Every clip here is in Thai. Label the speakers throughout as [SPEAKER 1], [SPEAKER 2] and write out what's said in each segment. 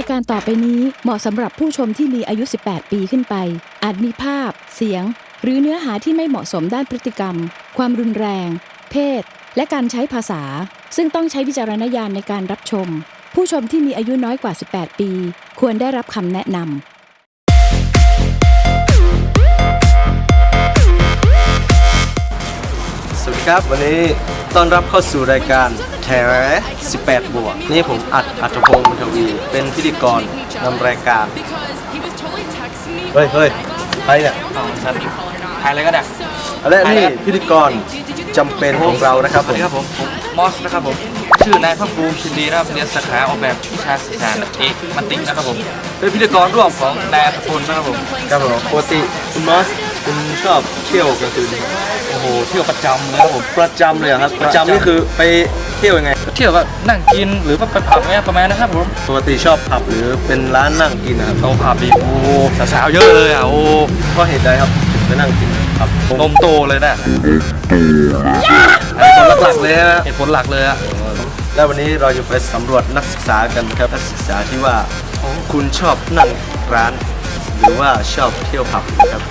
[SPEAKER 1] การต่อไปนี้เหมาะสำหรับผู้ชมที่มีอายุ 18 ปีขึ้นไปอาจมีภาพเสียงหรือเนื้อหาที่ไม่เหมาะสมด้านพฤติกรรมความรุนแรงเพศและการใช้ภาษาซึ่งต้องใช้วิจารณญาณในการรับชมผู้ชมที่มีอายุน้อยกว่า 18 ปีควรได้รับคำแนะนำ
[SPEAKER 2] สวัสดีครับวันนี้ต้อนรับเข้าสู่รายการแถ18 บวกนี่ผมอัตพงศ์บุญทวีเป็นพิธีกรนำรายการเฮ้ยไปเนี่ย
[SPEAKER 3] ถ่ายอะไรก็ได้
[SPEAKER 2] และนี่พิธีกรจำเป็นของเรานะครับผม
[SPEAKER 3] มอสนะครับผมชื่อนายภาคภูมิชินดีนะครับเรียนสาขาออกแบบวิชาสื่อสารเอกมัตตินะครับผมเป็นพิธีกรร่วมของนายอัตพลนะครับผม
[SPEAKER 2] ปกติคุณมอสคุณชอบเที่ยวกลางคืน
[SPEAKER 3] โอ้โหเที่ยวประจำเลยครับผม
[SPEAKER 2] ประจำเลยครับประจำนี่คือไปเที่ยวยังไง
[SPEAKER 3] เที่ยวแบบนั่งกินหรือว่าไปผับเนี่ยประมาณนะครับผม
[SPEAKER 2] ปกติชอบผับหรือเป็นร้านนั่งกินนะครับ
[SPEAKER 3] เอาผับดีโอ้สาวๆเยอะเลยอ่ะโอ้
[SPEAKER 2] เพราะเหตุใดครับไปนั่งกินครับ
[SPEAKER 3] นมโตเลยนะเหตุผลหลักเลยอะ
[SPEAKER 2] แล้ววันนี้เราจะไปสำรวจนักศึกษากันครับนักศึกษาที่ว่าคุณชอบนั่งร้านหรือว่าชอบเที่ยวผับนะครับ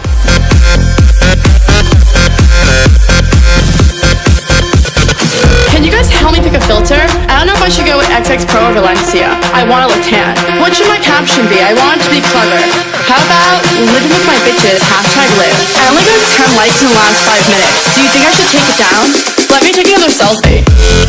[SPEAKER 4] Can you guys help me pick a filter? I don't know if I should go with XX Pro or Valencia. I want to look tan. What should my caption be? I want it to be clever. How about living with my bitches, #live. I only got 10 likes in the last 5 minutes. Do you think I should take it down? Let me take another selfie.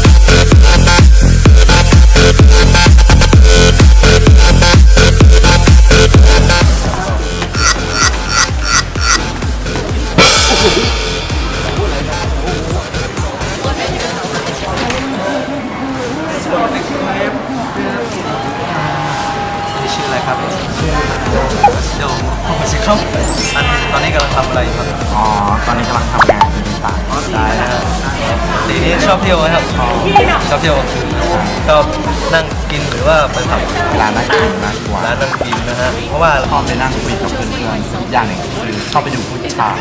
[SPEAKER 2] ตอนนี้กำลังทำอะไรอยู่ครับ
[SPEAKER 5] ตอนนี้กำลังทำงานอยู่ในศาล
[SPEAKER 2] ได้นะครับทีนี้ชอบเที่ยวไหมครับชอบเที่ยวชอบนั่งกินหรือว่าไปผับ
[SPEAKER 5] ร้านนั่งกินมากกว่า
[SPEAKER 2] ร้านนั่งกินนะฮะเพราะว่า
[SPEAKER 5] ชอบไปนั่งคุยกับเพื่อนๆอย่างหนึ่งคือชอบไปดูผู้ชาย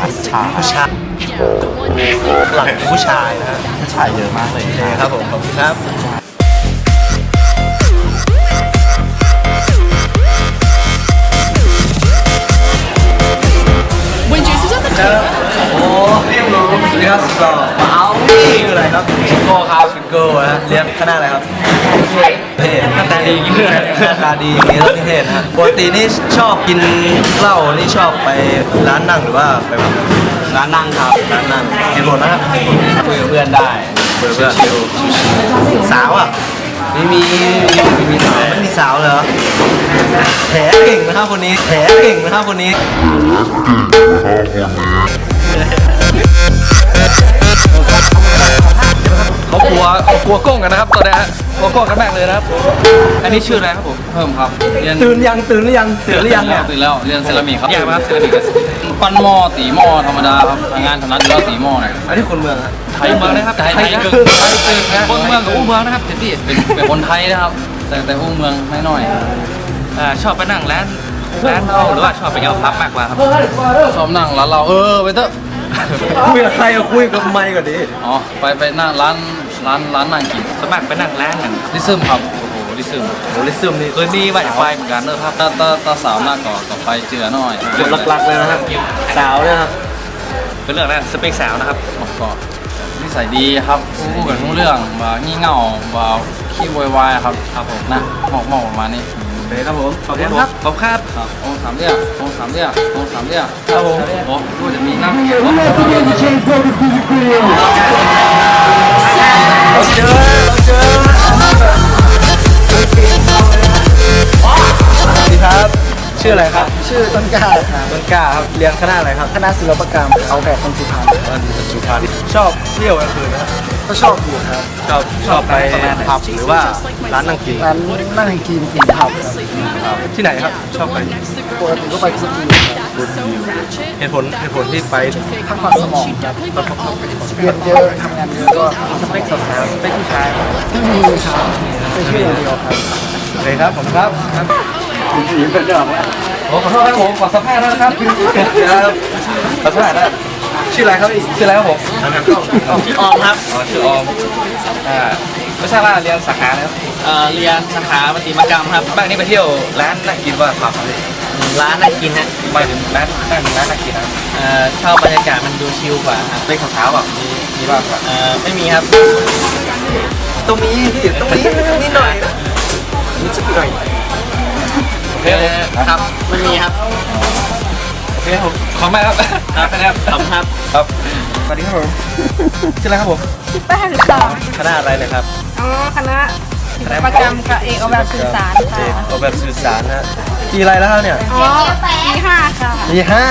[SPEAKER 2] หลังผู้ชายนะฮะ
[SPEAKER 5] ผู้ชายเยอะมากเลย
[SPEAKER 2] ครับผมขอบคุณครับโอ้เรียบร้อยสวัสดีครับก็มาเอาชื่ออะไรครับ
[SPEAKER 3] ฟิโก้ครับฟิโก้นะ
[SPEAKER 2] เรียนคณะอะไรครับเทศ
[SPEAKER 3] หน้าตาดียิ่งเลย
[SPEAKER 2] หน้าตาดีมีนิเทศนะฮะปกตินี่ชอบกินเหล้านี่ชอบไปร้านนั่งหรือว่าไป
[SPEAKER 3] ร้านนั่งครับ
[SPEAKER 2] ร้านนั่งกินหมดนะครับ
[SPEAKER 3] คุยกับเพื่อนได้
[SPEAKER 2] เพื่อนสาวอ่ะ
[SPEAKER 3] ไม่มี
[SPEAKER 2] สาวไม่มีสาวเลยเหรอแผลเก่งนะครับคนนี้แผลเก่งนะครับคนนี้
[SPEAKER 3] เขากลัวก้งกันนะครับตอนนี้กลัวก้งกันแม่งเลยนะครับอันนี้ชื่ออะไรครับผมเพิ่มครับ
[SPEAKER 2] ตื่นหรือยังเนี่ย
[SPEAKER 3] ตื่นแล้วเรียนเซรามิกครับยากมากเซรามิกปั้นหม้อตีหม้อธรรมดาครับงานถนัดก็ตีหม้อหน่อย
[SPEAKER 2] อันนี้คนเมืองครับ
[SPEAKER 3] ไทยเมืองนะครับไทยคนเมืองกับอู้เมืองนะครับพี่เป็นคนไทยนะครับแต่อู้เมืองน้อยชอบไปนั่งร้านเราหรือว่าชอบไปเอาพับมากกว่าครับชอบนั่งร้านเราไปเถอะ
[SPEAKER 2] คุยกับใครคุยกับไมค์ก่อนดิ
[SPEAKER 3] อ๋อไปนั่งร้านนั่งกินสมัครไปนั่งร้านกันลิซึมครับโอ้โหลิซึมนี่เคยมีว่าอยากไปเหมือนกันนะครับถ้าสาวหน้าก่อไปเจือหน่อย
[SPEAKER 2] จุดหลักๆเลยนะครับสาวเนี่ยครับ
[SPEAKER 3] เป็นเรื่องแรกสเปคสาวนะครับก็นิสัยดีครับพูดกันรู้เรื่องว่างี่เง่าว่าขี้วายครับผมนะหมอกประมาณนี้
[SPEAKER 2] โอเคครับผม
[SPEAKER 3] ขอบคุณครับขอบครับองสามเรียกครับผมโอ้ดูจะมีนั่ง
[SPEAKER 2] เราเจอสวัสดีครับชื่ออะไรครับ
[SPEAKER 6] ชื่อต้นกล้าครับ
[SPEAKER 2] ต้นกล้าครับเรียนคณะอะไรครับ
[SPEAKER 6] คณะศิลปกรรมเอาแบบคนสุพรรณ
[SPEAKER 2] ชอบเที่ยวกลางคืนนะครับ
[SPEAKER 6] ก็ชอบอยู่ครับ
[SPEAKER 2] ชอบไปผับหรือว่าร้านนั่งกิน
[SPEAKER 6] ร้านนั่งกินผับครับ
[SPEAKER 2] ที่ไหนครับชอบไป
[SPEAKER 6] ปกติก็ไปสกี
[SPEAKER 2] เหตุผลที่ไป
[SPEAKER 6] พักผ่อนสมองครับเรียนเยอะทำงานเยอะก็
[SPEAKER 2] สเปคสาวสเปคผู้ชาย
[SPEAKER 6] ไม่มีครับเป็นชื่อเดียวครับ
[SPEAKER 2] โอเคครับผมครับ
[SPEAKER 6] คุณหญิงเป็นเจ้าไหม
[SPEAKER 2] ขอโทษครับผมขอสัมภาษณ์นะครับขอสัมภาษณ์นะชื่ออะไรครับผม
[SPEAKER 3] ชื่อออมครับ
[SPEAKER 2] ชื่อออม
[SPEAKER 3] ไม่ใช่ว่าเรียนสาขานะครับเรียนสาขาประติมากรรมครับบ้างนี่ไปเที่ยวร้านนั่งกินว่าผับอะไรร้านนั่งกินฮะไปถึงร้านนั่งกินครับชอบบรรยากาศมันดูชิลกว่าเป็นขาวๆแบบมีบ้างครับไม่มีครับ
[SPEAKER 2] ตรงนี้พี่ตรงนี้นิดหน่อยนิดสักหน่อย
[SPEAKER 3] โอเคครับมันมีครับโอเคผมขอบคุณมากครับครับขอบคุณครับครับ
[SPEAKER 2] สวัสดีครับผมชื่ออะไรครับผม
[SPEAKER 6] ชื่อแป้งค่ะ
[SPEAKER 2] คณะอะไรเลยครับ
[SPEAKER 6] อ๋อคณะศิลปกรรมค่ะเอกออกแบบสื่อสาร
[SPEAKER 2] เอ
[SPEAKER 6] ค่ะ
[SPEAKER 2] กออกแบบสื่อสารนะปีอะไรแล้วครับเนี่ย
[SPEAKER 6] อ๋อปีห้าค่ะ
[SPEAKER 2] ปีห้า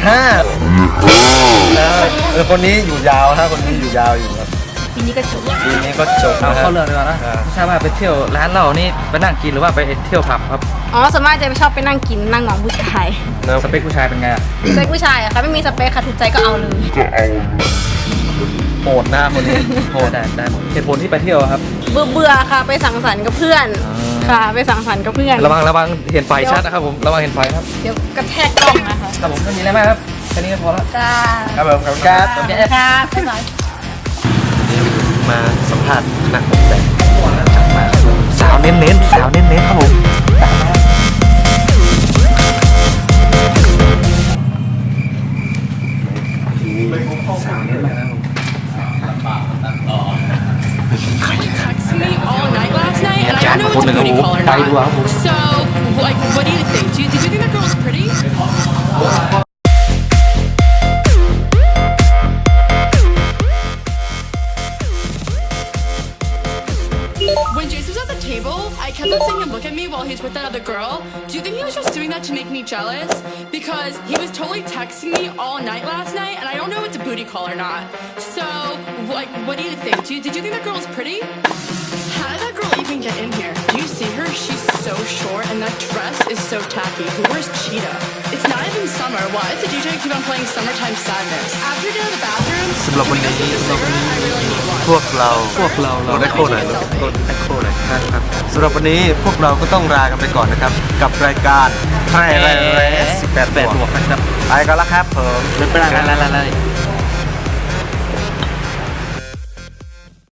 [SPEAKER 2] คนนี้อยู่ยาวฮะคนนี้อยู่ยาวอยู่ครับ
[SPEAKER 6] ปีนี้ก็จบ
[SPEAKER 2] ปีนี้ก็จบ
[SPEAKER 3] เอา
[SPEAKER 2] นะฮะ
[SPEAKER 3] เข้าเรื่องดีกว่านะไม่ใช่ว่าไปเที่ยวร้านเรานี่ไปนั่งกินหรือว่าไปเที่ยวผับครับ
[SPEAKER 6] อ๋อส่วนมากจะชอบไปนั่งกินนั่งมองผู้ชาย
[SPEAKER 3] สเปคผู้ชายเป็นไงอะ
[SPEAKER 6] สเปคผู้ชายอะค่ะไม่มีสเปคค่ะถูกใจก็เอาเลย
[SPEAKER 2] โหดหน้าคนนี้โหด
[SPEAKER 3] ได้หมดเหตุผลที่ไปเที่ยวครับ
[SPEAKER 6] เบื่อค่ะไปสังสรรค์กับเพื่อนค่ะไปสังสรรค์กับเพื่อน
[SPEAKER 3] ระวังเห็นไฟชัดนะครับผมระวังเห็นไฟครับ
[SPEAKER 6] เดี๋ยวกระแทกกล้องนะคะ
[SPEAKER 3] ครับผมไม่มีอะไรมากครับแค่นี้ก็พอแล้ว
[SPEAKER 6] จ้า
[SPEAKER 2] ครับผมครับการ
[SPEAKER 6] ค่ะบ๊ายบาย
[SPEAKER 2] มาสัมภาษณ์นักออกแบบ
[SPEAKER 3] สาวเน้นครับผมสาวเน้นมากครับผม
[SPEAKER 4] Texted me all night last night, and I
[SPEAKER 3] Jack,
[SPEAKER 4] don't know if it's a booty call or
[SPEAKER 3] Tay đùa
[SPEAKER 4] not.
[SPEAKER 3] không?
[SPEAKER 4] So, like, what do you think? Did you think that girl was pretty? When Jason was at the table, I kept on seeing him look at me while he's with that other girl. Do you think he was just doing that to make me jealous? Because he was totally texting me all night last night, and I don't know if it's a booty call or not. So, like, what do you think? Did you think that girl was pretty? How did that girl even get in here? Do you see her? She's so short, and that dress is so tacky. Who wears cheetah? It's not even summer. Why does the DJ keep on playing Summertime Sadness? After you get out of the bathroom,
[SPEAKER 2] สำหรับวันนี้
[SPEAKER 4] can we go smoke a cigarette? I really need one.
[SPEAKER 2] พวกเราได้โค้หน่อยได้โค้หน่อยนะครับสำหรับวันนี้พวกเราก็ต้องลากันไปก่อนนะครับ กับรายการไทยแลนด์18 บวกนะครับไปกันแล้วครับผม
[SPEAKER 3] ไม่เป็นไร